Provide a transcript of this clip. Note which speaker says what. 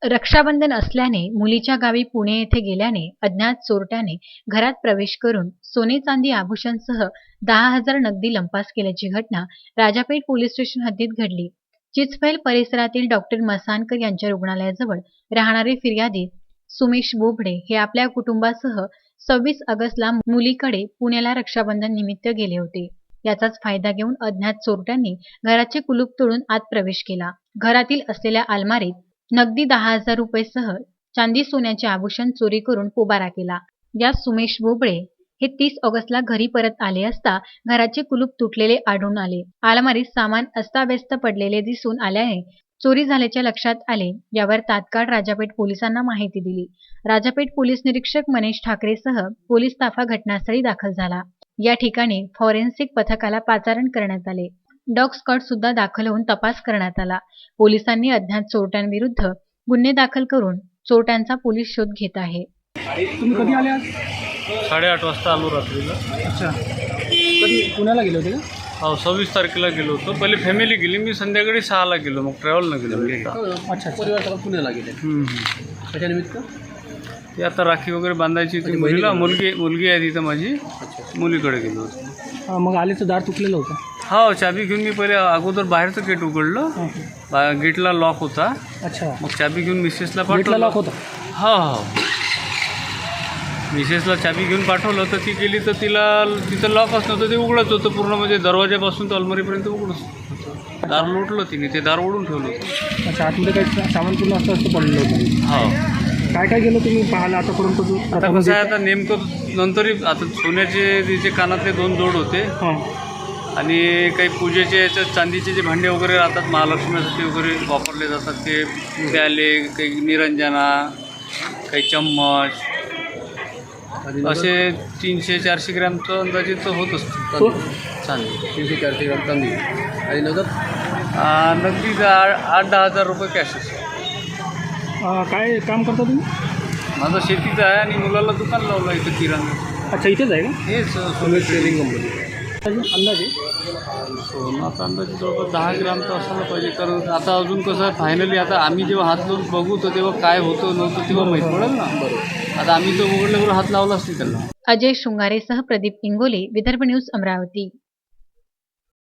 Speaker 1: रक्षाबंधन असल्याने मुलीच्या गावी पुणे येथे गेल्याने अज्ञात चोरट्याने घरात प्रवेश करून सोने चांदी आभूषणसह 10,000 नगदी लंपास केल्याची घटना राजापेठ पोलीस स्टेशन हद्दीत घडली. चिचफैल परिसरातील डॉक्टर मसानकर यांच्या रुग्णालयाजवळ राहणारे फिर्यादी सुमेश बोबडे हे आपल्या कुटुंबासह 26 ऑगस्टला मुलीकडे पुण्याला रक्षाबंधन निमित्त गेले होते. याचाच फायदा घेऊन अज्ञात चोरट्यांनी घराचे कुलूप तोडून आत प्रवेश केला. घरातील असलेल्या अलमारीत नगदी 10,000 रुपयेसह चांदी सोन्याचे आभूषण चोरी करून पोबारा केला. या सुमेश बोबडे हे 30 ऑगस्टला घरी परत आले असता घराचे कुलूप तुटलेले आढळून आले. अलमारीत सामान अस्ताव्यस्त पडलेले दिसून आल्याने चोरी झाल्याचे लक्षात आले. यावर तात्काळ राजापेठ पोलिसांना माहिती दिली. राजापेठ पोलीस निरीक्षक मनीष ठाकरेसह पोलीस ताफा घटनास्थळी दाखल झाला. या ठिकाणी फॉरेन्सिक पथकाला पाचारण करण्यात आले. डॉग स्क्वॉड सुद्धा दाखल होऊन तपास करण्यात आला. पोलिसांनी अज्ञात चोरट्यांविरुद्ध गुन्हे दाखल करून चोरट्यांचा पोलीस शोध घेत आहे.
Speaker 2: तुम्ही कधी आले आज?
Speaker 3: 8:30 वाजता आलो रात्रीला.
Speaker 2: अच्छा, कधी पुण्याला गेले होते का?
Speaker 3: हो, 26 तारखेला गेलो होतो. पहिले फॅमिली गेली, मी संध्याकाळी 6ला गेलो, मग ट्रॅव्हलनं गेलो.
Speaker 2: अच्छा, परिवार पुण्याला गेले. कशा निमित्त?
Speaker 3: ते आता राखी वगैरे बांधायची ती मुलीला, मुलगी आहे तिथं माझी, मुलीकडे गेलो होतो.
Speaker 2: मग आले तर दार तुटलेलं होतं?
Speaker 3: हो, चाबी घेऊन मी पहिले अगोदर बाहेरचं गेट उघडलं. गेटला लॉक होता.
Speaker 2: अच्छा,
Speaker 3: मग चाबी घेऊन मिसेसला
Speaker 2: गेटला
Speaker 3: पाठवलं.
Speaker 2: लॉक होता?
Speaker 3: हो, मिसेसला चाबी घेऊन पाठवलं तर ती गेली तर तिथं लॉकच नव्हतं, ते उघडच होतं पूर्ण, म्हणजे दरवाजापासून तर अलमारीपर्यंत उघडच होतं. दार लोटलं तिने, ते दार ओढून ठेवलं होतं.
Speaker 2: अच्छा, आतमध्ये काही सामान पूर्ण असं पडलेलं होतं?
Speaker 3: हो.
Speaker 2: काय काय गेलं तुम्ही पाहायला आतापर्यंत?
Speaker 3: आता कसं आहे, आता नेमकं नंतरही आता सोन्याचे तिचे कानातले 2 जोड होते आणि काही पूजेचे याच्यात चांदीचे जे भांडे वगैरे राहतात महालक्ष्मीसाठी वगैरे वापरले जातात, ते प्याले, काही निरंजना, काही चम्मच, असे 300-400 ग्रॅमचं अंदाजित होत असतं चांदी.
Speaker 2: 300-400 ग्राम चांदी आणि
Speaker 3: नगदी 8-10 हजार रुपये कॅश असतं.
Speaker 2: काय काम करता तुम्ही?
Speaker 3: माझं शेतीचं आहे आणि मुलाला दुकान लावलं इथं किराणा.
Speaker 2: अच्छा, इथेच आहे का?
Speaker 3: हेच सोने ट्रेडिंग कंपनी.
Speaker 2: अंदाजे
Speaker 3: सोनं अंदाजे जवळपास 10 ग्राम तर असायला पाहिजे, कारण आता अजून कसं फायनली आता आम्ही जेव्हा हात लावून बघू तर तेव्हा काय होतं नव्हतं तेव्हा माहीत पडेल ना. बरोबर, आता आम्ही तो उघडल्यावर हात लावलाच नाही त्याला.
Speaker 1: अजय शृंगारेसह प्रदीप इंगोले, विदर्भ न्यूज, अमरावती.